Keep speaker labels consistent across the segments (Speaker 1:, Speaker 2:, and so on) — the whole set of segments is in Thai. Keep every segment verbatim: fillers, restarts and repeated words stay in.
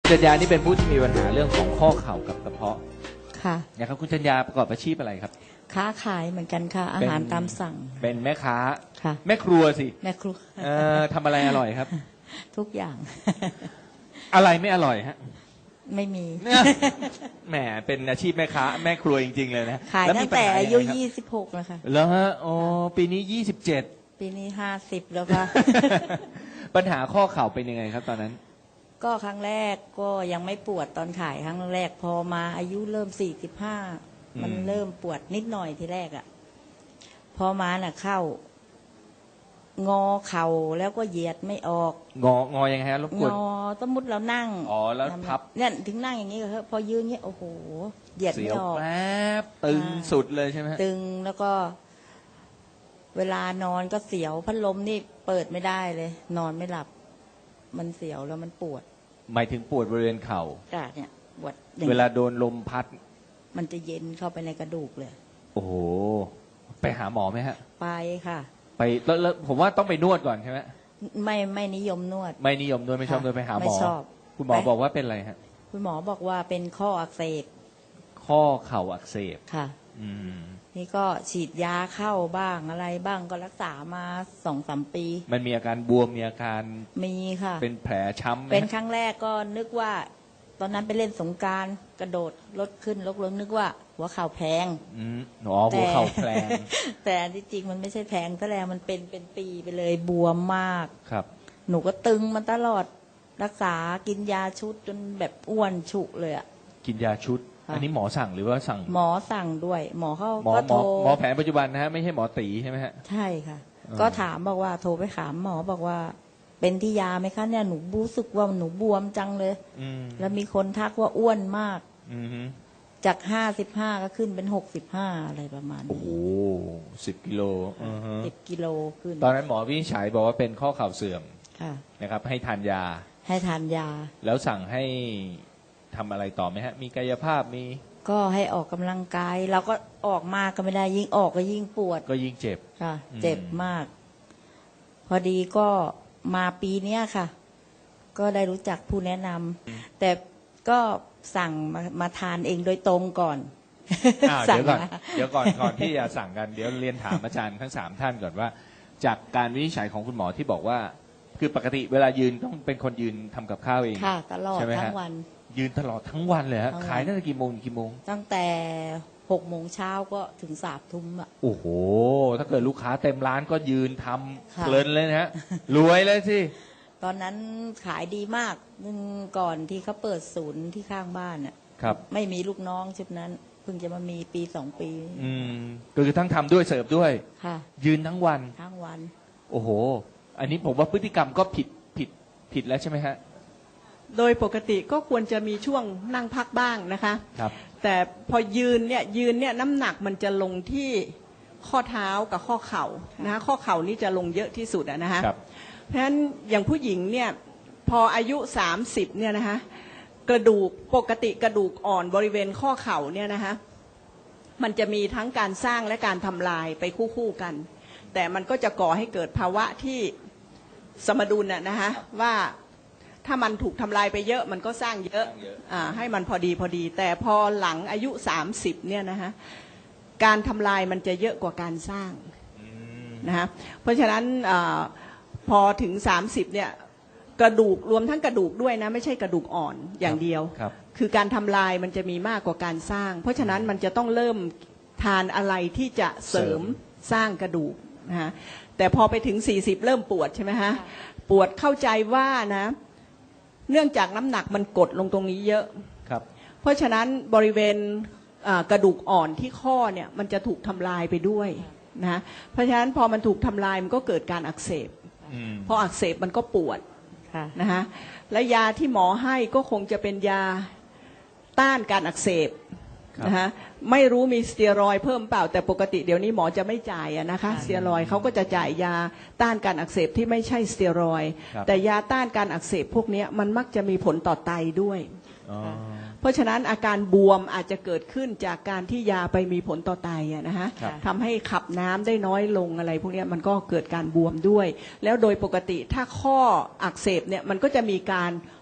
Speaker 1: จัญญานี่เป็นผู้ที่มีปัญหาเรื่องของข้อเข่ากับกระเพาะ
Speaker 2: ค่ะ
Speaker 1: นะครับคุณจัญญาประกอบอาชีพอะไรครับ
Speaker 2: ค้าขายเหมือนกันค่ะอาหารตามสั่ง
Speaker 1: เป็นแม่ค้า
Speaker 2: ค่ะ
Speaker 1: แม่ครัวสิ
Speaker 2: แม่ครัว
Speaker 1: เอ่อทำอะไรอร่อยครับ
Speaker 2: ทุกอย่าง
Speaker 1: อะไรไม่อร่อยฮะ
Speaker 2: ไม่มี
Speaker 1: แหมเป็นอาชีพแม่ค้าแม่ครัวจริงๆเลยนะ
Speaker 2: ขายตั้งแต่อายุยี่สิบหกแล้วค่ะ
Speaker 1: แล้วฮะอ๋อปีนี้ยี่สิบเจ็ด
Speaker 2: ปีนี้ห้าสิบแล้วค่ะ
Speaker 1: ปัญหาข้อเข่าเป็นยังไงครับตอนนั้น
Speaker 2: ก็ครั้งแรกก็ยังไม่ปวดตอนขายครั้งแรกพอมาอายุเริ่มสี่สิบห้ามันเริ่มปวดนิดหน่อยทีแรกอ่ะพอมาน่ะเข้างอเข่าแล้วก็เหยียดไม่ออก
Speaker 1: งองอยังไงฮะรบกวน
Speaker 2: งอสมมติเรานั่ง
Speaker 1: อ๋อแล้วพับ
Speaker 2: เนี่ยถึงนั่งอย่างนี้ก็พอยืนเงี้ยโอ้โหเหยียดไม่ออก
Speaker 1: แป๊บตึงสุดเลยใช่ไหม
Speaker 2: ตึงแล้วก็เวลานอนก็เสียวพัดลมนี่เปิดไม่ได้เลยนอนไม่หลับมันเสียวแล้วมันปวด
Speaker 1: หมายถึงปวดบริเวณเข่า
Speaker 2: จ้ะเนี่ยปวด
Speaker 1: เวลาโดนลมพัด
Speaker 2: มันจะเย็นเข้าไปในกระดูกเลย
Speaker 1: โอ้โหไปหาหมอไหมฮะ
Speaker 2: ไปค่ะ
Speaker 1: ไปแล้วผมว่าต้องไปนวดก่อนใช่ไหม
Speaker 2: ไม่ไม่นิยมนวด
Speaker 1: ไม่นิยมนวดไม่ชอบนวดไปหาหมอ
Speaker 2: ไม่ชอบ
Speaker 1: คุณหมอบอกว่าเป็นอะไรฮะ
Speaker 2: คุณหมอบอกว่าเป็นข้ออักเสบ
Speaker 1: ข้อเข่าอักเสบ
Speaker 2: ค่ะ
Speaker 1: อืม
Speaker 2: นี่ก็ฉีดยาเข้าบ้างอะไรบ้างก็รักษามาสองสามปี
Speaker 1: มันมีอาการบวมมีอาการ
Speaker 2: มีค่ะ
Speaker 1: เป็นแผลช้ำ
Speaker 2: เป็นครั้งแรกก็นึกว่าตอนนั้นไปเล่นสงกรานต์กระโดดรถขึ้นรถลงนึกว่าหัวเข่าแพง
Speaker 1: อืมอ๋อหัวเข่าแพง
Speaker 2: แต่ที่จริงมันไม่ใช่แพงซะแล้วมันเป็นเป็นปีไปเลยบวมมาก
Speaker 1: ครับ
Speaker 2: หนูก็ตึงมันตลอดรักษากินยาชุดจนแบบอ้วนฉุเลยอ่ะ
Speaker 1: กินยาชุดอันนี้หมอสั่งหรือว่าสั่ง
Speaker 2: หมอสั่งด้วยหมอเขา
Speaker 1: ก็โทรหมอแผนปัจจุบันนะฮะไม่ใช่หมอตีใช่ไหมฮะ
Speaker 2: ใช่ค่ะก็ถามบอกว่าโทรไปถามหมอบอกว่าเป็นที่ยาไหมคะเนี่ยหนูรู้สึกว่าหนูบวมจังเลยแล้วมีคนทักว่าอ้วนมากจากห้าสิบห้าก็ขึ้นเป็นหกสิบห้าอะไรประมาณนี้
Speaker 1: โอ้โหสิบกิโล
Speaker 2: สิบกิโลขึ้น
Speaker 1: ตอนนั้นหมอวินิจฉัยบอกว่าเป็นข้อเข่าเสื่อมนะครับให้ทานยา
Speaker 2: ให้ทานยา
Speaker 1: แล้วสั่งให้ทำอะไรต่อไหมฮะมีกายภาพมี
Speaker 2: ก็ให้ออกกำลังกายเราก็ออกมากก็ไม่ได้ยิ่งออกก็ยิ่งปวด
Speaker 1: ก็ยิ่งเจ็บ
Speaker 2: ค่ะเจ็บมากพอดีก็มาปีเนี้ยค่ะก็ได้รู้จักผู้แนะนำแต่ก็สั่งมามาทานเองโดยตรงก่อน
Speaker 1: เดี๋ยวก่อนเดี๋ยวก่อนก่อนที่จะสั่งกันเดี๋ยวเรียนถามอาจารย์ทั้งสามท่านก่อนว่าจากการวินิจฉัยของคุณหมอที่บอกว่าคือปกติเวลายืนต้องเป็นคนยืนทำกับข้าวเอง
Speaker 2: ค่ะตลอดทั้งวัน
Speaker 1: ยืนตลอดทั้งวันเลยฮะขายตั้งแต่กี่โมงกี่โมง
Speaker 2: ตั้งแต่หกโมงเช้าก็ถึงสามทุ่มอ่ะ
Speaker 1: โอ้โหถ้าเกิดลูกค้าเต็มร้านก็ยืนทำเพลินเลยนะฮะรวยเลยสิ
Speaker 2: ตอนนั้นขายดีมากนึงก่อนที่เขาเปิดศูนย์ที่ข้างบ้านอ่ะ
Speaker 1: ครับ
Speaker 2: ไม่มีลูกน้องชุดนั้นเพิ่งจะมามีปีสองปี
Speaker 1: อืมก็คือทั้งทำด้วยเสิร์ฟด้วย
Speaker 2: ค่ะ
Speaker 1: ยืนทั้งวัน
Speaker 2: ทั้งวัน
Speaker 1: โอ้โหอันนี้ผมว่าพฤติกรรมก็ผิดผิดผิดแล้วใช่ไหมฮะ
Speaker 3: โดยปกติก็ควรจะมีช่วงนั่งพักบ้างนะคะ
Speaker 1: ครับ
Speaker 3: แต่พอยืนเนี่ยยืนเนี่ยน้ำหนักมันจะลงที่ข้อเท้ากับข้อเข่านะข้อเข่านี่จะลงเยอะที่สุดอะนะคะเพราะฉะนั้นอย่างผู้หญิงเนี่ยพออายุสามสิบเนี่ยนะคะกระดูกปกติกระดูกอ่อนบริเวณข้อเข่าเนี่ยนะคะมันจะมีทั้งการสร้างและการทำลายไปคู่ๆกันแต่มันก็จะก่อให้เกิดภาวะที่สมดุลน่ะนะคะว่าถ้ามันถูกทำลายไปเยอะมันก็สร้างเยอะอ่าให้มันพอดีพอดีแต่พอหลังอายุสามสิบเนี่ยนะคะการทำลายมันจะเยอะกว่าการสร้างนะคะเพราะฉะนั้นอ่าพอถึงสามสิบเนี่ยกระดูกรวมทั้งกระดูกด้วยนะไม่ใช่กระดูกอ่อนอย่างเดียวคือการทำลายมันจะมีมากกว่าการสร้างเพราะฉะนั้นมันจะต้องเริ่มทานอะไรที่จะเสริมสร้างกระดูกนะฮะแต่พอไปถึงสี่สิบเริ่มปวดใช่ไหมฮะปวดเข้าใจว่านะเนื่องจากน้ำหนักมันกดลงตรงนี้เยอะ
Speaker 1: ครับ
Speaker 3: เพราะฉะนั้นบริเวณกระดูกอ่อนที่ข้อเนี่ยมันจะถูกทำลายไปด้วยนะเพราะฉะนั้นพอมันถูกทำลายมันก็เกิดการอักเสบพออักเสบมันก็ปวดนะฮะและยาที่หมอให้ก็คงจะเป็นยาต้านการอักเสบนะฮะไม่รู้มีสเตียรอยด์เพิ่มเปล่าแต่ปกติเดี๋ยวนี้หมอจะไม่จ่ายนะคะสเตียรอยด์เขาก็จะจ่ายยาต้านการอักเสบที่ไม่ใช่สเตียรอยด์แต่ยาต้านการอักเสบพวกนี้มันมักจะมีผลต่อไตด้วยเพราะฉะนั้นอาการบวมอาจจะเกิดขึ้นจากการที่ยาไปมีผลต่อไตนะฮะทำให้ขับน้ำได้น้อยลงอะไรพวกนี้มันก็เกิดการบวมด้วยแล้วโดยปกติถ้าข้ออักเสบเนี่ยมันก็จะมีการ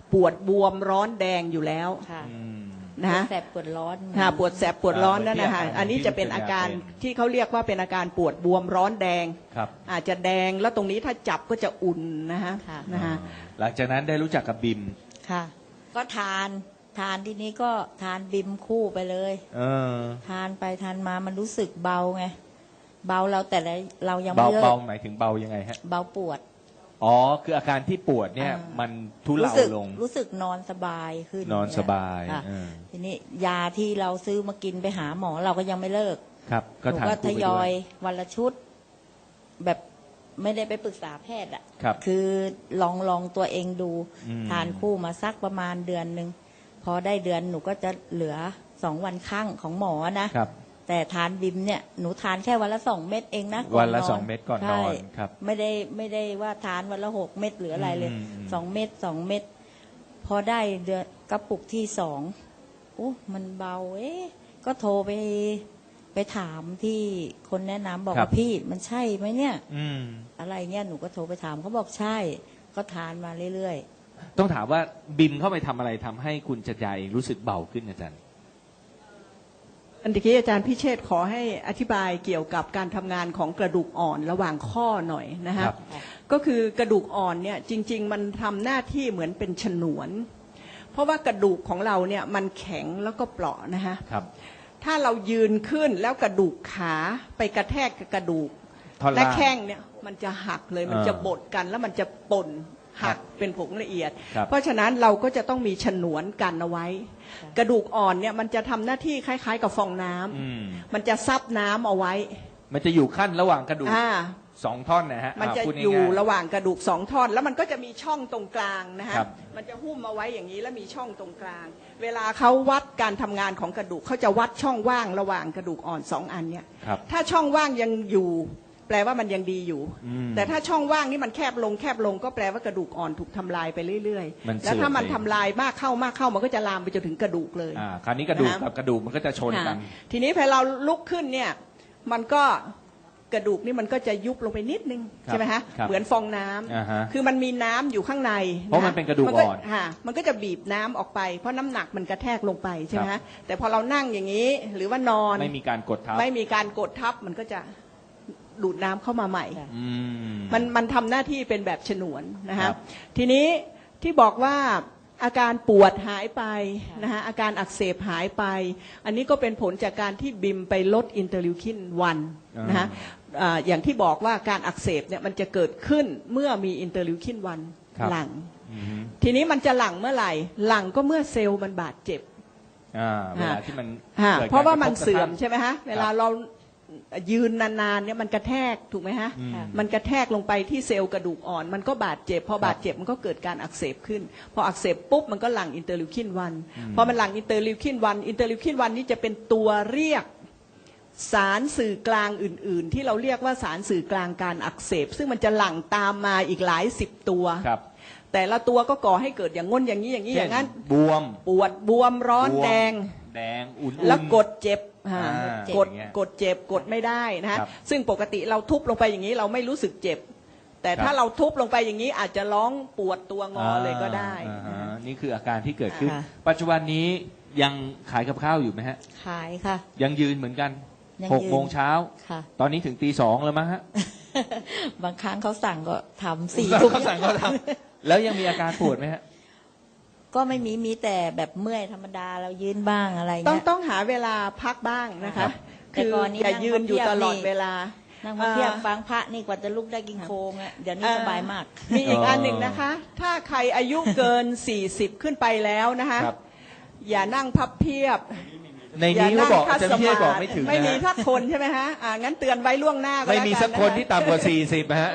Speaker 3: ปวดบวมร้อนแดงอยู่แล้ว
Speaker 2: ค่ะ
Speaker 1: อืม
Speaker 3: นะฮะ
Speaker 2: แสบปวดร้อน
Speaker 3: ค่ะปวดแสบปวดร้อนนั่นนะคะ
Speaker 1: อ่าเหมือนที่
Speaker 3: อันนี้จะเป็นอาการ
Speaker 1: ที่
Speaker 3: ที่เขาเรียกว่าเป็นอาการปวดบวมร้อนแดง
Speaker 1: ครับ
Speaker 3: อาจจะแดงแล้วตรงนี้ถ้าจับก็จะอุ่นนะฮะ
Speaker 2: ค่ะ
Speaker 3: นะคะ
Speaker 1: หลังจากนั้นได้รู้จักกับบิม
Speaker 2: ค่ะ ก็ทานทานที่นี้ก็ทานบิมคู่ไปเลย
Speaker 1: เออ
Speaker 2: ทานไปทานมามันรู้สึกเบาไงเบาเราแต่ละเรายัง
Speaker 1: เบา
Speaker 2: ไม่เลิ
Speaker 1: เบาก หมายถึงเบายังไงฮะ
Speaker 2: เบาปวด
Speaker 1: อ๋อคืออาการที่ปวดเนี่ย
Speaker 2: อ่ามั
Speaker 1: มันทุ
Speaker 2: รู้
Speaker 1: เลา
Speaker 2: สึก
Speaker 1: ลง
Speaker 2: รู้สึกนอนสบายขึ้น
Speaker 1: นอนสบาย
Speaker 2: ค่ะ
Speaker 1: เออ
Speaker 2: ทีนี้ยาที่เราซื้อมากินไปหาหมอเราก็ยังไม่เลิก
Speaker 1: ครับ
Speaker 2: ห
Speaker 1: ก็
Speaker 2: นู
Speaker 1: ทาน
Speaker 2: ก็
Speaker 1: คู่
Speaker 2: ท
Speaker 1: ไป
Speaker 2: ย
Speaker 1: ด้
Speaker 2: อ
Speaker 1: วย ย
Speaker 2: วันละชุด แบบไม่ได้ไปปรึกษาแพทย์อ่ะ
Speaker 1: ครับ
Speaker 2: คือลองลองตัวเองดู
Speaker 1: อืม
Speaker 2: ทานคู่มาสักประมาณเดือนหนึ่งพอได้เดือนหนูก็จะเหลือสองวันข้างของหมอนะครับ แต่ทานบิมเนี่ยหนูทานแค่วันละสองเม็ดเองนะก่
Speaker 1: วันละ
Speaker 2: น
Speaker 1: สองเม็ดก่อนน
Speaker 2: ใช่
Speaker 1: อนครับ
Speaker 2: ไม่ได้ไม่ได้ว่าทานวันละหกเม็ดหรืออะไรเลย
Speaker 1: อืมอืม
Speaker 2: สองเม็ดสองเม็ดพอได้เดือนกระปุกที่สองโอ้มันเบาเอ๊ะก็โทรไปไปถามที่คนแนะนำบอกว่าพี่มันใช่ไหมเนี่ย
Speaker 1: อืม
Speaker 2: อะไรเงี้ยหนูก็โทรไปถามเขาบอกใช่ ก็ทานมาเรื่อย
Speaker 1: ต้องถามว่าบิมเข้าไปทำอะไรทำให้คุณจัดยาเองรู้สึกเบาขึ้นอาจารย์
Speaker 3: อันตะกี้อาจารย์พิเชษฐ์ขอให้อธิบายเกี่ยวกับการทำงานของกระดูกอ่อนระหว่างข้อหน่อยนะฮะ
Speaker 1: ครับ
Speaker 3: ก็คือกระดูกอ่อนเนี่ยจริง ๆ มันทำหน้าที่เหมือนเป็นฉนวน เพราะว่ากระดูกของเราเนี่ยมันแข็งแล้วก็เปราะนะฮะ
Speaker 1: ครับ
Speaker 3: ถ้าเรายืนขึ้นแล้วกระดูกขาไปกระแทกกับกระดูก
Speaker 1: ท่อน
Speaker 3: และ
Speaker 1: ล่าง
Speaker 3: แข้งเนี่ยมันจะหักเลยมัน
Speaker 1: อ่า
Speaker 3: จะบดกันแล้วมันจะป่นหัก
Speaker 1: ครับ
Speaker 3: เป็นผงละเอียด
Speaker 1: ครับ
Speaker 3: เพราะฉะนั้นเราก็จะต้องมีฉนวนกันเอาไว้ กระดูกอ่อนเนี่ยมันจะทำหน้าที่คล้าย ๆ กับฟองน้ำ
Speaker 1: อืม
Speaker 3: มันจะซับน้ำเอาไว้
Speaker 1: มันจะอยู่ขั้นระหว่างกระดูก
Speaker 3: อ่า
Speaker 1: สองท่อนนะฮะ
Speaker 3: มันจะ
Speaker 1: พูดง่าๆ
Speaker 3: อยู่ระหว่างกระดูกสองท่อน แล้วมันก็จะมีช่องตรงกลางนะฮะ
Speaker 1: ครับ
Speaker 3: มันจะหุ้มเอาไว้อย่างนี้แล้วมีช่องตรงกลาง เวลาเขาวัดการทำงานของกระดูกเขาจะวัดช่องว่างระหว่างกระดูกอ่อนสองอันเนี่ย
Speaker 1: ครับ
Speaker 3: ถ้าช่องว่างยังอยู่ แปลว่ามันยังดีอยู่
Speaker 1: อืม
Speaker 3: แต่ถ้าช่องว่างนี่มันแคบลงแคบลงก็แปลว่ากระดูกอ่อนถูกทำลายไปเรื่อย
Speaker 1: มัน
Speaker 3: ๆ แล้วถ้ามัน
Speaker 1: เสื่อมไป
Speaker 3: ทำลายมากเข้ามากเข้ามันก็จะลามไปจนถึงกระดูกเลย
Speaker 1: อ่าคราวนี้กระดูก
Speaker 3: นะ
Speaker 1: กับกระดูกมันก็จะชนกัน
Speaker 3: ค่ะทีนี้พอเราลุกขึ้นเนี่ยมันก็กระดูกนี่มันก็จะยุบลงไปนิดนึง
Speaker 1: ครับ
Speaker 3: ใช่ไหมฮะ
Speaker 1: ครับ
Speaker 3: เหมือนฟองน้ำ
Speaker 1: อ่าฮะ
Speaker 3: คือมันมีน้ำอยู่ข้างใน
Speaker 1: เพราะมันเป็นกระดูกอ่อน
Speaker 3: ค่ะมันก็จะบีบน้ำออกไปเพราะน้ำหนักมันกระแทกลงไปใช่ไหม
Speaker 1: ครั
Speaker 3: ฮะ
Speaker 1: บ
Speaker 3: แต่พอเรานั่งอย่างนี้หรือว่านอน
Speaker 1: ไม่มีการกดทับ
Speaker 3: ไม่มีการกดทับมันก็จะดูดน้ำเข้ามาใหม่
Speaker 2: ค่ะ
Speaker 1: อืม
Speaker 3: มันมันทำหน้าที่เป็นแบบฉนวนนะ
Speaker 1: ครั
Speaker 3: ฮะ
Speaker 1: บ
Speaker 3: ทีนี้ที่บอกว่าอาการปวดหายไปนะฮะอาการอักเสบหายไป อันนี้ก็เป็นผลจากการที่บิมไปลดอินเตอร์ลิวคินวันนะฮะอ่าอย่างที่บอกว่าการอักเสบเนี่ยมันจะเกิดขึ้นเมื่อมีอินเตอร์ลิวคินวัน
Speaker 1: ครับ
Speaker 3: หลัง
Speaker 1: อืม
Speaker 3: ทีนี้มันจะหลั่งเมื่อไหร่หลั่งก็เมื่อเซลล์มันบาดเจ็บ
Speaker 1: อ่าเวลาที่มัน
Speaker 3: ฮะ
Speaker 1: กิดก
Speaker 3: เพราะว่ามัน
Speaker 1: กทบก
Speaker 3: เสื่อม
Speaker 1: ทั่ง
Speaker 3: ใช่ไหมฮะเวลาเรายืนนานๆเนี่ยมันกระแทกถูกไหมฮะ
Speaker 1: อืม
Speaker 3: มันกระแทกลงไปที่เซลล์กระดูกอ่อน มันก็บาดเจ็บพอบาดเจ็บมันก็เกิดการอักเสบขึ้น พออักเสบปุ๊บมันก็หลั่งอินเตอร์ลิวคินวันพอมันหลั่งอินเตอร์ลิวคินวันอินเตอร์ลิวคินวันนี่จะเป็นตัวเรียกสารสื่อกลางอื่น ๆ ที่เราเรียกว่าสารสื่อกลางการอักเสบซึ่งมันจะหลั่งตามมาอีกหลายสิบตัว
Speaker 1: ครับ
Speaker 3: แต่ละตัวก็ก่อให้เกิดอย่างง้นอย่างนี้อย่างนี้อย่างนั้น
Speaker 1: เช่บวม
Speaker 3: ปวดบวมร้อน
Speaker 1: บวม
Speaker 3: แดง
Speaker 1: แดงอุ่นๆ
Speaker 3: แล้วกดเจ็บฮะ
Speaker 1: อ่าก
Speaker 3: ด
Speaker 1: อย่างเงี้ย
Speaker 3: กดเจ็บกดไม่ได้นะฮะ
Speaker 1: ครับ
Speaker 3: ซึ่งปกติเราทุบลงไปอย่างนี้เราไม่รู้สึกเจ็บ แต่
Speaker 1: ครับ
Speaker 3: ถ้าเราทุบลงไปอย่างนี้อาจจะร้องปวดตัวงอเลยก็ได้
Speaker 1: อ่า
Speaker 3: นะ
Speaker 1: ฮะ
Speaker 3: ฮะ
Speaker 1: นี่คืออาการที่เกิดขึ้น
Speaker 2: ค่ะ
Speaker 1: ปัจจุบันนี้ยังขายกับข้าวอยู่ไหมฮะ
Speaker 2: ขายค่ะ
Speaker 1: ยังยืนเหมือนกัน
Speaker 2: ยัง
Speaker 1: หก
Speaker 2: ยืน
Speaker 1: โมงเช้า
Speaker 2: ค่ะ
Speaker 1: ตอนนี้ถึงตีสองแล้วมั้งฮะ
Speaker 2: บางครั้งเขาสั่งก็ทำสี่
Speaker 1: เขา
Speaker 2: ทุ่ม
Speaker 1: สั่งเขาทำแล้วยังมีอาการปวดไหมฮะ
Speaker 2: ก็ไม่มีมีแต่แบบเมื่อยธรรมดาเรายืนบ้างอะไร
Speaker 3: ต้อง
Speaker 2: เงี้ย
Speaker 3: ต้องหาเวลาพักบ้างนะ
Speaker 1: ครั
Speaker 3: คะ
Speaker 1: บ
Speaker 2: แต่
Speaker 3: คือ
Speaker 2: ก่อนนี้
Speaker 3: อย่ายืนอยู่ตลอดเวลา
Speaker 2: นั่งมาเพียบ
Speaker 3: เอ่อ
Speaker 2: ฟังพระนี่กว่าจะลุกได้กินโคงอ่ะเดี๋ยวนี้สบายมาก
Speaker 3: มีอีกอันหนึ่งนะคะ ถ้าใครอายุเกิน สี่สิบ ขึ้นไปแล้วนะคะ
Speaker 1: ครับ
Speaker 3: อย่านั่งพับเพียบ
Speaker 1: ในนี้เขาบอก
Speaker 3: คั
Speaker 1: อา
Speaker 3: ด
Speaker 1: จารย์
Speaker 3: ส
Speaker 1: พี่
Speaker 3: มา
Speaker 1: บอก
Speaker 3: ธิ
Speaker 1: ไม่ถึง
Speaker 3: ไม่
Speaker 1: นะ
Speaker 3: มี
Speaker 1: ฮะ
Speaker 3: สักคนใช่ไหมฮะอ่างั้นเตือนไว้ล่วงหน้าก็
Speaker 1: ไม่
Speaker 3: แล้ว
Speaker 1: มี
Speaker 3: กั
Speaker 1: สักคน
Speaker 3: นะะ
Speaker 1: ที่ต่ำกว่าสี่สิบนะฮะ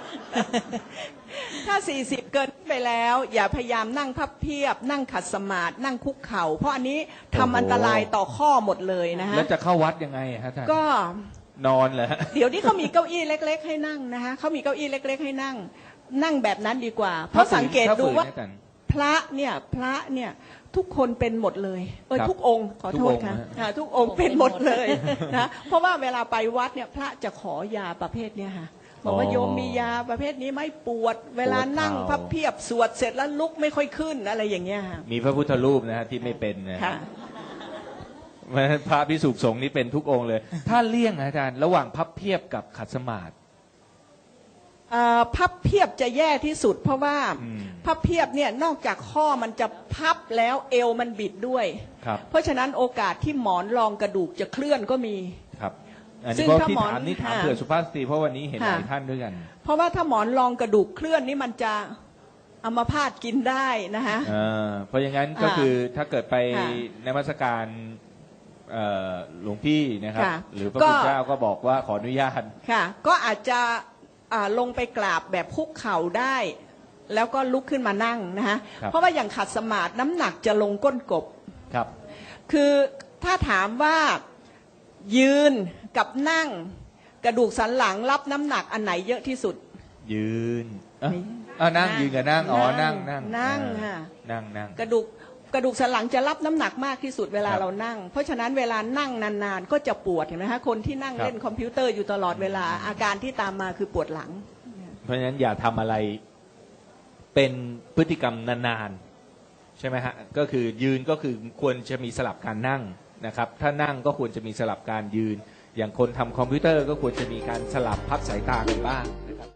Speaker 3: ถ้า สี่สิบ เกินไปแล้ว อย่าพยายามนั่งพับเพียบ นั่งขัดสมาธินั่งคุกเข่า เพราะอันนี้ทำ
Speaker 1: โอ้โห
Speaker 3: อันตรายต่อข้อหมดเลยนะฮะ
Speaker 1: แล้วจะเข้าวัดยังไงฮะท่าน
Speaker 3: ก็
Speaker 1: นอนเหรอฮะ
Speaker 3: เดี๋ยวนี้เขามีเก้าอี้เล็ก ๆ ให้นั่งนะคะเขามีเก้าอี้เล็ก ๆ ให้นั่ง นั่งแบบนั้นดีกว่า เพราะสังเกตดูว่า
Speaker 1: ถ้ฝืนนะอาจารย์
Speaker 3: พระเนี่ยพระเนี่ยทุกคนเป็นหมดเลยเออ
Speaker 1: ครับ
Speaker 3: ทุกองค์ขอโทษ
Speaker 1: ทุกองค์
Speaker 3: ค่ะ
Speaker 1: นะฮะ
Speaker 3: อ่าทุกองค์เป็นหมดเลยนะเพราะว่าเวลาไปวัดเนี่ยพระจะขอยาประเภทเนี่ยค่ะบอกว่าโยมมียาประเภทนี้ไหม่ปวด เวลานั่งพับเพียบสวดเสร็จแล้วลุกไม่ค่อยขึ้นอะไรอย่างเงี้ยค่ะ
Speaker 1: มีพระพุทธรูปนะฮะที่ไม่เป็นนะ
Speaker 3: ค่ะ
Speaker 1: พระภิกษุสงฆ์นี่เป็นทุกองค์เลย ถ้าเลี่ยงอาจารย์ระหว่างพับเพียบกับขัดสมาธิ
Speaker 3: เอ่อพับเพียบจะแย่ที่สุด เพราะว่า
Speaker 1: อืม
Speaker 3: พับเพียบเนี่ยนอกจากข้อมันจะพับแล้วเอวมันบิดด้วย
Speaker 1: ครับ
Speaker 3: เพราะฉะนั้นโอกาสที่หมอนรองกระดูกจะเคลื่อนก็มี
Speaker 1: ครับอัน
Speaker 3: ซึ่
Speaker 1: นี้
Speaker 3: ง
Speaker 1: เพราะ
Speaker 3: ถ้า
Speaker 1: ที่
Speaker 3: หมอน
Speaker 1: ถามนี่ถาม
Speaker 3: ค่ะ
Speaker 1: เผื่อสุภาพสตรีเพราะวันนี้เห็นห
Speaker 3: ค่ะ
Speaker 1: ลายท่านด้วยกัน
Speaker 3: เพราะว่าถ้าหมอนรองกระดูกเคลื่อนนี่มันจะอัมพาตกินได้นะคะ
Speaker 1: อ่าเพราะอย่างนั้นก็
Speaker 3: อ่า
Speaker 1: คือถ้าเกิดไป
Speaker 3: ค่ะ
Speaker 1: นมัสการเอ่อหลวงพี่นะครับ
Speaker 3: ค่ะ
Speaker 1: หรือพระ
Speaker 3: ก็
Speaker 1: คุณเจ้าก็บอกว่าขออนุญาต
Speaker 3: ค่ะ ก็อาจจะอ่าลงไปกราบแบบคุกเข่าได้ แล้วก็ลุกขึ้นมานั่งนะคะ
Speaker 1: ครับ
Speaker 3: เพราะว่าอย่างขัดสมาธิน้ำหนักจะลงก้นกบ
Speaker 1: ครับ
Speaker 3: คือถ้าถามว่ายืนกับนั่งกระดูกสันหลังรับน้ำหนักอันไหนเยอะที่สุด
Speaker 1: ยืนเอ้า
Speaker 3: นี่
Speaker 1: อ่านั่งยืนกับนั่งอ๋อ
Speaker 3: นั่
Speaker 1: นั่
Speaker 3: ง
Speaker 1: งนั่ง
Speaker 3: นั่ง
Speaker 1: อ่า
Speaker 3: ค่ะ
Speaker 1: นั่งนั่ง
Speaker 3: กระดูกกระดูกสันหลังจะรับน้ำหนักมากที่สุดเวลา
Speaker 1: ครับ
Speaker 3: เรานั่ง เพราะฉะนั้นเวลานั่งนานๆก็จะปวดเห็นไหมคะคนที่นั่ง
Speaker 1: ครับ
Speaker 3: เล่นคอมพิวเตอร์อยู่ตลอดเวลาอาการที่ตามมาคือปวดหลัง
Speaker 1: เพราะฉะนั้นอย่าทำอะไรเป็นพฤติกรรมนานๆใช่ไหมฮะก็คือยืนก็คือควรจะมีสลับการนั่งนะครับถ้านั่งก็ควรจะมีสลับการยืน อย่างคนทำคอมพิวเตอร์ก็ควรจะมีการสลับพักสายตากันบ้างนะครับ